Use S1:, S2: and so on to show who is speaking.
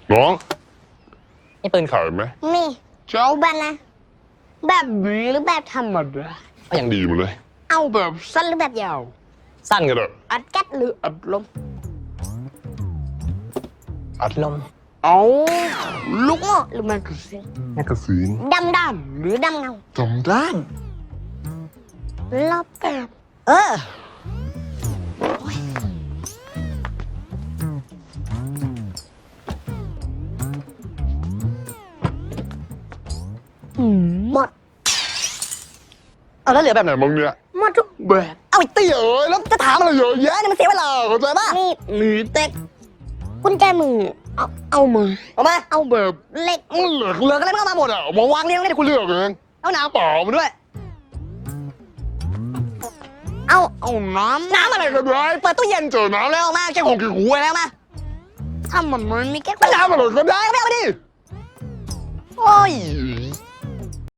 S1: น้องนี่ปืนขายไหม
S2: มีเจ้าแบบนะแบบนี้หรือแบบธรรมดา
S1: ก็ยังดีหมดเลย
S2: เอาแบบสั้นหรือแบบยาว
S1: สั้นกันเถอะ
S2: อัดแก๊สหรืออัดลม
S1: อัดลม
S2: เอาลูกหม้อหรือแมกกาซีนดำหรือดำเงา
S1: ด้าน
S2: รอบแบบหมด
S1: เอาแล้วเหลือแบบไหนมึงเนี่ย
S2: หมดทุกแบบ
S1: เอาไอ้เตี้ยเอ้ยแล้วจะถามอะไรเยอะแยะนี่มันเสียเวลาเข้าใจป่ะ
S2: นี่หรือเต็กกุญแจมือเอามา
S1: เอามา
S2: เอาแบบเล็ก
S1: มันเหลือกันแล้วมันก็มาหมดอ่ะมาวางเรียงให้กูเลือกเองเอาน้ำเปล่ามาด้วย
S2: เอาน้ำ
S1: อะไรกันเลยเปิดตู้เย็นเจอน้ำแล้วมาแค่ของกี่หูแล้วมา
S2: ถ้ามันมีแค่
S1: น้ำอะไรก็ได้ไม่เอาไปดิโอ้ย